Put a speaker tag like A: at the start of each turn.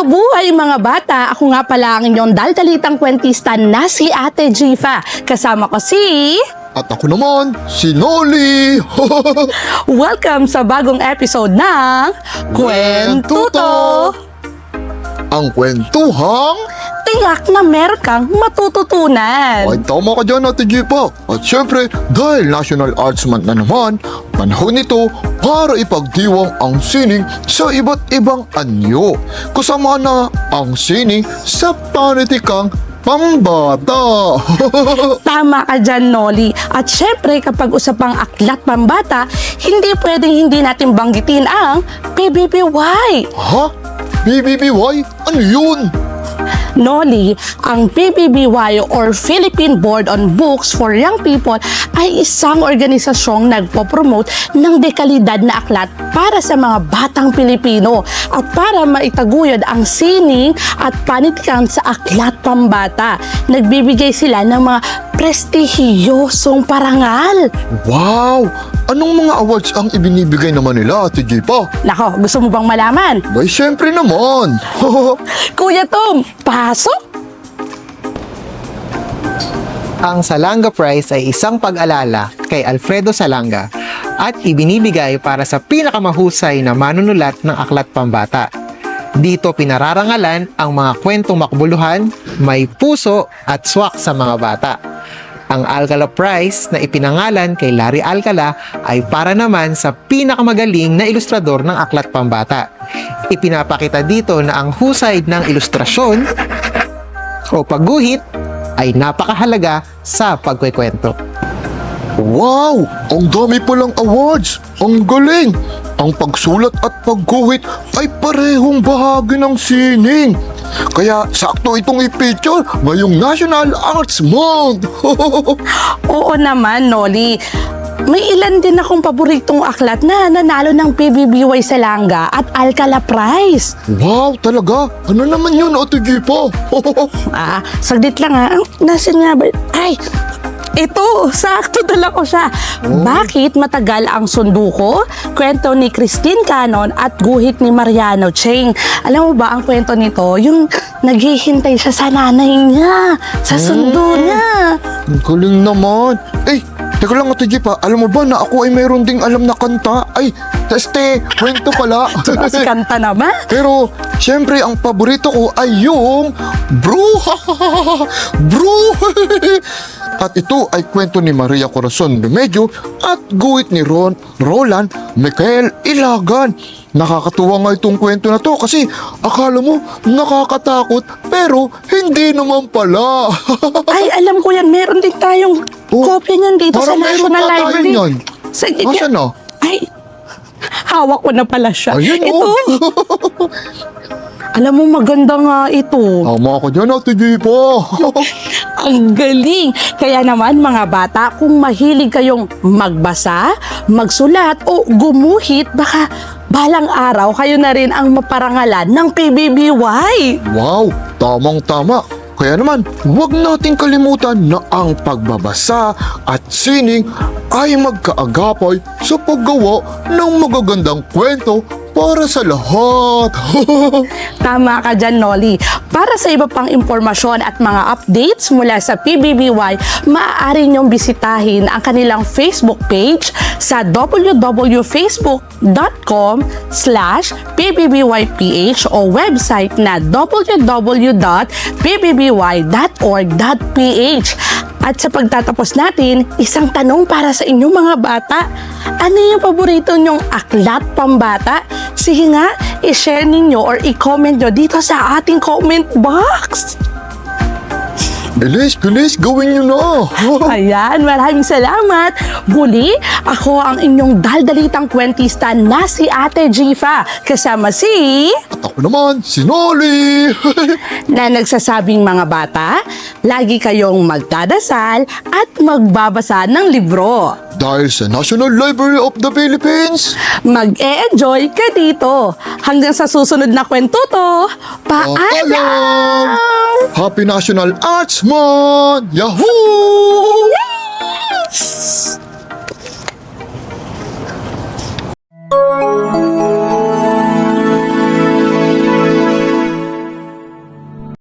A: Mabuhay mga bata! Ako nga pala ang inyong daldalitang kwentista na si Ate Jifa. Kasama ko si...
B: At ako naman, si Noli!
A: Welcome sa bagong episode ng... Kwentuto!
B: Ang kwentuhang...
A: Tiyak na meron kang matututunan.
B: Ay, tama ka dyan, Ate Jipa. At syempre, dahil National Arts Month na naman, panahon nito para ipagdiwang ang sining sa iba't ibang anyo. Kasama na ang sining sa panitikang pambata.
A: Tama ka dyan, Noli. At syempre, kapag usapang aklat pambata, hindi pwedeng hindi natin banggitin ang PBBY.
B: Ha? BBBY? Ano yun?
A: Noli, ang PBBY or Philippine Board on Books for Young People ay isang organisasyong nagpo-promote ng dekalidad na aklat para sa mga batang Pilipino at para maitaguyod ang sining at panitikan sa aklat pambata. Nagbibigay sila ng mga prestihiyosong parangal.
B: Wow! Anong mga awards ang ibinibigay naman nila, Ate Jipa?
A: Nako, gusto mo bang malaman?
B: Bay, syempre naman!
A: Kuya Tom, pasok!
C: Ang Salanga Prize ay isang pag-alala kay Alfredo Salanga at ibinibigay para sa pinakamahusay na manunulat ng aklat pambata. Dito pinararangalan ang mga kwentong makbuluhan, may puso at swak sa mga bata. Ang Alcala Prize na ipinangalan kay Larry Alcala ay para naman sa pinakamagaling na ilustrador ng aklat pambata. Ipinapakita dito na ang husay ng ilustrasyon o pagguhit ay napakahalaga sa pagkukwento.
B: Wow! Ang dami palang awards! Ang galing! Ang pagsulat at pagguhit ay parehong bahagi ng sining. Kaya sakto itong i-feature ngayong National Arts Month.
A: Oo naman, Noli. May ilan din akong paboritong aklat na nanalo ng PBBY Salanga at Alcala Prize.
B: Wow, talaga? Ano naman yun, Ate Jipa?
A: Saglit lang ha. Nasaan nga ba? Ay! Ito, sakto dala ko siya. Bakit matagal ang sunduko? Kwento ni Christine Canon at guhit ni Mariano Cheng. Alam mo ba ang kwento nito? Yung naghihintay siya sa nanay niya, sa sundo niya.
B: Ang galing naman. Eh, teka lang, Ate Jipa, alam mo ba na ako ay mayroon ding alam na kanta? Ay, kwento pala.
A: Kasi kanta naman.
B: Pero, syempre, ang paborito ko ay yung Bruha! Bruha! At ito ay kwento ni Maria Corazon Remedios at guhit ni Roland Michael Ilagan. Nakakatuwa nga itong kwento na to kasi akala mo nakakatakot pero hindi naman pala.
A: Ay, alam ko yan. Meron din tayong kopya niyan dito sa
B: Parang meron
A: National
B: pa tayo
A: Library.
B: niyan.
A: Sige,
B: Nasaan na?
A: Ay, hawak ko na pala siya.
B: Ayun,
A: Ito. Alam mo, maganda nga ito.
B: Tama ako dyan, Ate Jipa.
A: Ang galing! Kaya naman mga bata, kung mahilig kayong magbasa, magsulat o gumuhit, baka balang araw kayo na rin ang maparangalan ng PBBY.
B: Wow, tamang-tama. Kaya naman, huwag nating kalimutan na ang pagbabasa at sining ay magkaagapay sa paggawa ng magagandang kwento para sa lahat.
A: Tama ka dyan, Noli. Para sa iba pang impormasyon at mga updates mula sa PBBY, maaari niyong bisitahin ang kanilang Facebook page sa www.facebook.com/pbbyph o website na www.pbby.org.ph. At sa pagtatapos natin, isang tanong para sa inyong mga bata. Ano yung paborito nyong aklat pambata? Sige nga, i-share ninyo or i-comment nyo dito sa ating comment box.
B: Bilis, gawin nyo na.
A: Ayan, maraming salamat. Muli, ako ang inyong daldalitang kwentista na si Ate Jifa. Kasama si...
B: At ako naman, si Noli.
A: na nagsasabing mga bata, lagi kayong magdadasal at magbabasa ng libro.
B: Dahil sa National Library of the Philippines,
A: Mag-e-enjoy ka dito. Hanggang sa susunod na kwentuto. Paalam!
B: Happy National Arts Month! Yahoo!
A: Yes!